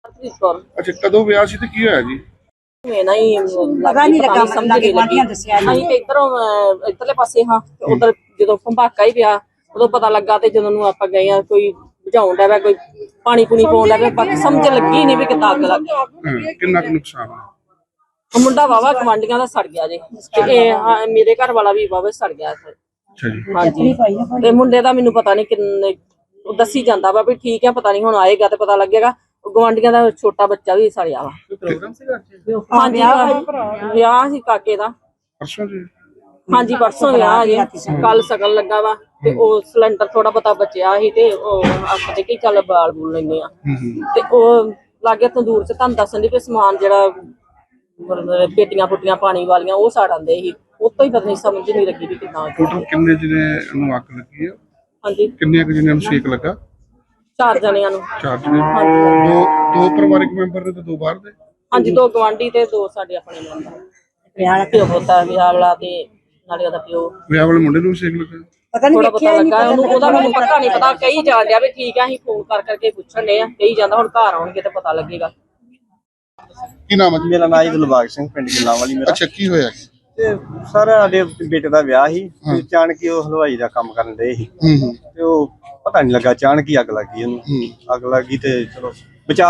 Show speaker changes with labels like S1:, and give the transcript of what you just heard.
S1: ਅੱਛਾ, ਕਦੋਂ ਵਿਆਹ ਸੀ ਤੇ ਕੀ ਹੋਇਆ ਜੀ?
S2: ਪਤਾ ਨਹੀਂ ਲੱਗਾ ਸਮਝ ਨਹੀਂ ਲੱਗੀ। ਅਸੀਂ ਤੇ ਇੱਧਰਲੇ ਪਾਸੇ ਹਾਂ, ਉਧਰ ਜਦੋਂ ਭੰਬਾਕਾ ਹੀ ਪਿਆ ਉਦੋਂ ਪਤਾ ਲੱਗਾ। ਤੇ ਜਦੋਂ ਨੂੰ ਆਪਾਂ ਗਏ ਆ, ਕੋਈ ਬੁਝਾਉਣ ਦਾ ਵਾ, ਕੋਈ ਪਾਣੀ ਪੂਣੀ ਪਾਉਣ ਦਾ ਵਾ, ਬਾਕੀ ਸਮਝ ਲੱਗੀ ਨਹੀਂ ਵੀ ਕਿੱਦਾਂ ਅੱਗ ਲੱਗ ਗਈ।
S1: ਕਿੰਨਾ ਕੁ ਨੁਕਸਾਨ ਹੋਇਆ?
S2: ਮੁੰਡਾ ਵਾਵਾ ਗਵਾਂਢੀਆਂ ਦਾ ਸੜ ਗਿਆ ਜੀ, ਤੇ ਮੇਰੇ ਘਰ ਵਾਲਾ ਵੀ ਵਾਵਾ ਸੜ ਗਿਆ।
S1: ਅੱਛਾ ਜੀ।
S2: ਹਾਂਜੀ, ਤੇ ਮੁੰਡੇ ਦਾ ਮੈਨੂੰ ਪਤਾ ਨਹੀਂ ਕਿੰਨੇ ਦੱਸੀ ਜਾਂਦਾ ਵਾ ਵੀ ਠੀਕ ਹੈ, ਪਤਾ ਨਹੀਂ ਹੁਣ ਆਏਗਾ ਤੇ ਪਤਾ ਲੱਗੇਗਾ। ਗਵਾਂਢੀਆਂ ਦਾ ਛੋਟਾ ਬੱਚਾ ਵੀ ਸੜਿਆ ਵਾ। ਹਾਂਜੀ, ਵਿਆਹ ਸੀ ਕਾਕੇ ਦਾ।
S1: ਪਰਸੋਂ ਜੀ?
S2: ਹਾਂਜੀ, ਪਰਸੋਂ ਵਿਆਹ ਜੀ, ਕੱਲ ਸ਼ਗਨ ਲੱਗਾ ਵਾ। ਤੇ ਉਹ ਸਿਲੰਡਰ ਥੋੜਾ ਬਹੁਤਾ ਬਚਿਆ ਸੀ ਤੇ ਉਹ ਆਖਦੇ ਕਿ ਚੱਲ ਬਾਲ ਬੂਲ ਲੈਂਦੇ ਆ। ਤੇ ਉਹ ਲਾਗੇ ਤੰਦੂਰ ਚ ਤੁਹਾਨੂੰ ਦੱਸਣ ਦੀ ਵੀ ਸਮਾਨ ਜਿਹੜਾ ਪੇਟੀਆਂ ਪੁੱਟੀਆਂ ਪਾਣੀ ਵਾਲੀਆਂ ਉਹ ਸਾੜ ਆਂਦੇ ਸੀ। ਉਤੋਂ ਹੀ ਪਤਾ ਨਹੀਂ ਸਮਝ ਨਹੀਂ ਲੱਗੀ ਵੀ ਕਿੱਦਾਂ।
S1: ਟੋਟਲ ਕਿੰਨੇ ਜਿਹਨੇ ਨੂੰ ਅੱਗ ਲੱਗੀ ਆ?
S2: ਹਾਂਜੀ,
S1: ਕਿੰਨੇ ਕੁ ਜਿਹਨਾਂ ਨੂੰ ਸੇਕ ਲੱਗਾ?
S2: 4 ਜਣਿਆਂ ਨੂੰ।
S1: 4 ਜਣੇ?
S2: ਹਾਂਜੀ,
S1: ਦੋ ਪਰਿਵਾਰਕ ਮੈਂਬਰ ਨੇ ਤੇ 2 ਬਾਹਰ ਦੇ?
S2: ਹਾਂਜੀ, 2 ਗਵਾਂਢੀ ਤੇ 2 ਸਾਡੇ ਆਪਣੇ ਮੈਂਬਰ। ਵਿਆਹ ਪਿਓ ਪੁੱਤਾ ਵਿਆਹ ਵਾਲਾ ਤੇ ਨਾਲੇ ਉਹਦਾ ਪਿਓ।
S1: ਵਿਆਹ ਵਾਲੇ ਮੁੰਡੇ ਨੂੰ ਵੀ ਸੇਕ ਲੱਗਾ?
S2: ਥੋੜਾ ਪਤਾ ਲੱਗਾ ਉਹਨੂੰ, ਉਹਦਾ ਮੈਨੂੰ ਪਤਾ ਨਹੀਂ ਪਤਾ। ਕਹੀ ਜਾਣ ਡਿਆ ਵੀ ਠੀਕ ਆ, ਅਸੀਂ ਫੋਨ ਕਰਕੇ ਪੁੱਛਣ ਡਏ ਆ। ਕਹੀ ਜਾਂਦਾ ਹੁਣ ਘਰ ਆਉਣਗੇ ਤੇ ਪਤਾ ਲੱਗੇਗਾ।
S1: ਕੀ ਨਾਮ ਹੈ?
S3: ਮੇਰਾ ਨਾਮ ਦਿਲਬਾਗ ਸਿੰਘ, ਪਿੰਡ ਗਿੱਲਾਂਵਾਲੀ ਮੇਰਾ।
S1: ਅੱਛਾ, ਕੀ ਹੋਇਆ?
S3: ਤੇ ਸਰ ਸਾਡੇ ਬੇਟੇ ਦਾ ਵਿਆਹ ਸੀ, ਅਚਾਨਕ ਹੀ ਉਹ ਹਲਵਾਈ ਦਾ ਕੰਮ ਕਰਨ ਡਏ ਸੀ। ਤੇ ਉਹ ਪਤਾ ਨਹੀਂ ਲੱਗਾ, ਅਚਾਨਕ ਹੀ ਅੱਗ ਲੱਗ ਗਈ ਉਹਨੂੰ। ਅੱਗ ਲੱਗ ਗਈ ਤੇ ਚਲੋ